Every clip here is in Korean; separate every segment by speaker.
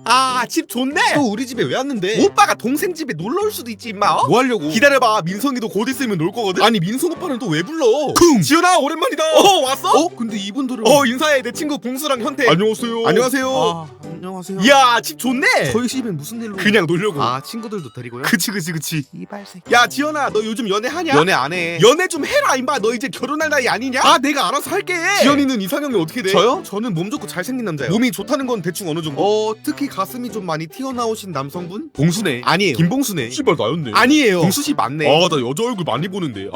Speaker 1: 아, 집 좋네. 또 우리 집에 왜 왔는데? 오빠가 동생 집에 놀러 올 수도 있지 임마. 뭐 하려고? 기다려봐. 민성이도 곧 있으면 놀 거거든. 아니 민성 오빠는 또 왜 불러? 쿵! 지연아 오랜만이다. 왔어? 근데 이분들은 인사해. 내 친구 봉수랑 현태. 안녕하세요. 안녕하세요.
Speaker 2: 아, 안녕하세요.
Speaker 1: 이야 집 좋네.
Speaker 2: 저희 집엔 무슨 일로?
Speaker 1: 그냥 놀려고.
Speaker 2: 아, 친구들도 데리고요?
Speaker 1: 그치.
Speaker 2: 이발새끼.
Speaker 1: 야 지연아 너 요즘 연애하냐?
Speaker 2: 연애 안 해.
Speaker 1: 연애 좀 해라 임마. 너 이제 결혼할 나이 아니냐? 아 내가 알아서 할게. 지연이는 이상형이 어떻게 돼?
Speaker 2: 저요?
Speaker 1: 저는 몸 좋고 잘생긴 남자요. 몸이 좋다는 건 대충 어느 정도?
Speaker 2: 특히 가슴이 좀 많이 튀어나오신 남성분?
Speaker 1: 봉수네.
Speaker 2: 아니에요.
Speaker 1: 김봉수네.
Speaker 2: 씨발 나였네.
Speaker 1: 아니에요.
Speaker 2: 봉수씨 맞네.
Speaker 1: 아 나 여자 얼굴 많이 보는데.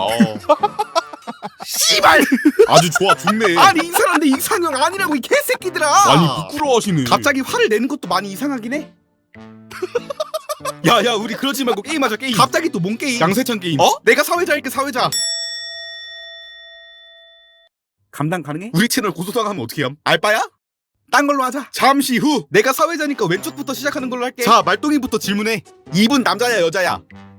Speaker 1: 씨발.
Speaker 2: 아주 좋아 죽네.
Speaker 1: 아니 이 사람 내 이상형 아니라고 이 개새끼들아.
Speaker 2: 아니 부끄러워하시네.
Speaker 1: 갑자기 화를 내는 것도 많이 이상하긴 해. 야야 우리 그러지 말고 게임하자 게임. 갑자기 또 뭔 게임?
Speaker 2: 양세찬 게임.
Speaker 1: 내가 사회자 할게 사회자.
Speaker 2: 감당 가능해?
Speaker 1: 우리 채널 고소당하면 어떻게 함? 알바야? 딴 걸로 하자. 잠시 후 내가 사회자니까 왼쪽부터 시작하는 걸로 할게. 자 말똥이부터 질문해. 이분 남자야 여자야?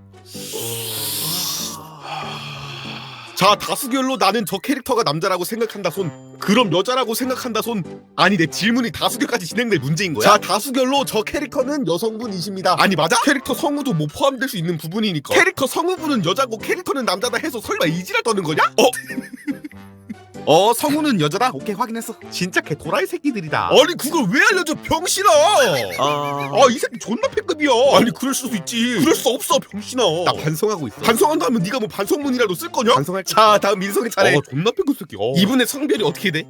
Speaker 1: 자 다수결로 나는 저 캐릭터가 남자라고 생각한다 손. 그럼 여자라고 생각한다 손. 아니 내 질문이 다수결까지 진행될 문제인 거야? 자 다수결로 저 캐릭터는 여성분이십니다. 아니 맞아? 캐릭터 성우도 뭐 포함될 수 있는 부분이니까. 캐릭터 성우분은 여자고 캐릭터는 남자다 해서 설마 이지랄 떠는 거냐? 성우는 여자다? 오케이 확인했어. 진짜 개 도라이 새끼들이다. 아니 그걸 왜 알려줘 병신아. 이 새끼 존나 패급이야. 아니 그럴 수도 있지. 그럴 수 없어 병신아. 나 반성하고 있어. 반성한다면 네가 뭐 반성문이라도 쓸 거냐? 반성할게. 자 다음 민성이 차례. 존나 패급 새끼. 이분의 성별이 어떻게 돼?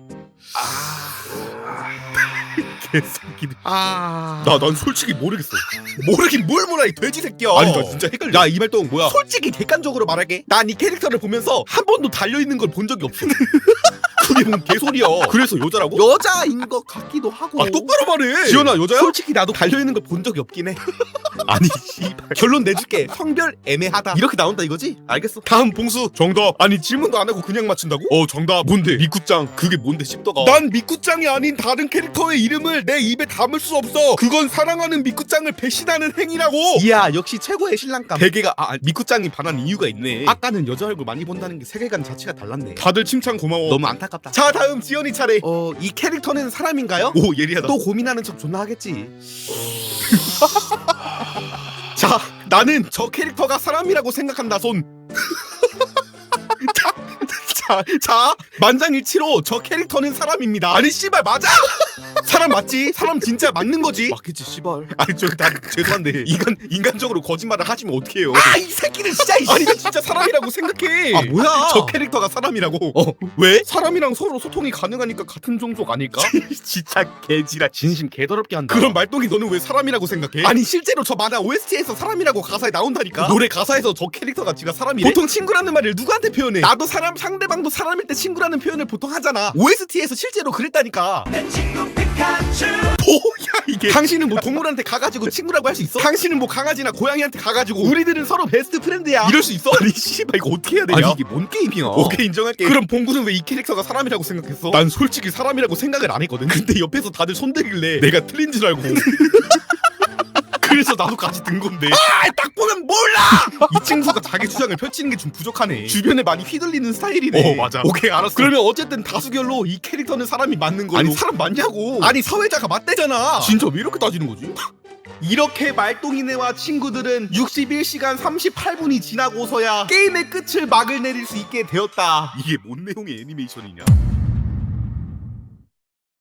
Speaker 1: 개새끼들. 난 솔직히 모르겠어. 모르긴 뭘 몰라 이 돼지 새끼야. 아니 나 진짜 헷갈려. 야 이 말동 뭐야? 솔직히 객관적으로 말할게. 난 이 캐릭터를 보면서 한 번도 달려있는 걸 본 적이 없어. 그게 뭔 개소리야. 그래서 여자라고?
Speaker 2: 여자인 것 같기도 하고.
Speaker 1: 똑바로 말해. 지연아 여자야? 솔직히 나도 달려있는 걸 본 적이 없긴 해. 아니 씨발. 결론 내줄게. 성별 애매하다. 이렇게 나온다 이거지? 알겠어. 다음 봉수. 정답. 아니 질문도 안 하고 그냥 맞춘다고? 정답. 뭔데? 미쿠짱. 그게 뭔데 씹더가. 난 미쿠짱이 아닌 다른 캐릭터의 이름을 내 입에 담을 수 없어. 그건 사랑하는 미쿠짱을 배신하는 행위라고. 이야 역시 최고의 신랑감. 베개가 미쿠짱이 반한 이유가 있네. 아까는 여자 얼굴 많이 본다는 게 세계관 자체가 달랐네. 다들 칭찬 고마워. 너무 안타깝다. 자 다음 지연이 차례. 이 캐릭터는 사람인가요? 오 예리하다. 또 고민하는 척 존나 하겠지. 자 나는 저 캐릭터가 사람이라고 생각한다 손. 자 만장일치로 저 캐릭터는 사람입니다. 아니 씨발 맞아? 사람 맞지? 사람 진짜 맞는 거지?
Speaker 2: 맞겠지 씨발.
Speaker 1: 아니 저기 다 죄송한데 인간적으로 거짓말을 하시면 어떡해요? 이 새끼는 진짜. 아니 나 진짜 사람이라고 생각해. 뭐야? 저 캐릭터가 사람이라고. 왜? 사람이랑 서로 소통이 가능하니까 같은 종족 아닐까? 진짜 개지라. 진심 개더럽게 한다. 그럼 말똥이 너는 왜 사람이라고 생각해? 아니 실제로 저 만화 OST에서 사람이라고 가사에 나온다니까. 노래 가사에서 저 캐릭터가 지가 사람이래. 보통 친구라는 말을 누구한테 표현해? 나도 사람 상대방도 사람일 때 친구라는 표현을 보통 하잖아. OST에서 실제로 그랬다니까. 내 친구 피카츄. 뭐야 이게? 당신은 뭐 동물한테 가가지고 친구라고 할 수 있어? 당신은 뭐 강아지나 고양이한테 가가지고 우리들은 서로 베스트 프렌드야 이럴 수 있어? 아니 씨발 이거 어떻게 해야 되냐? 아니 이게 뭔 게임이야? 오케이 인정할게. 그럼 봉구는 왜 이 캐릭터가 사람이라고 생각했어? 난 솔직히 사람이라고 생각을 안 했거든. 근데 옆에서 다들 손대길래 내가 틀린 줄 알고 그래서 나도 같이 든 건데. 딱 보면 몰라. 이 친구가 자기 주장을 펼치는 게 좀 부족하네. 주변에 많이 휘둘리는 스타일이네. 맞아. 오케이 알았어. 그러면 어쨌든 다수결로 이 캐릭터는 사람이 맞는 걸로. 아니 사람 맞냐고. 아니 사회자가 맞대잖아. 진짜 왜 이렇게 따지는 거지? 이렇게 말똥이네와 친구들은 61시간 38분이 지나고서야 게임의 끝을 막을 내릴 수 있게 되었다. 이게 뭔 내용의 애니메이션이냐?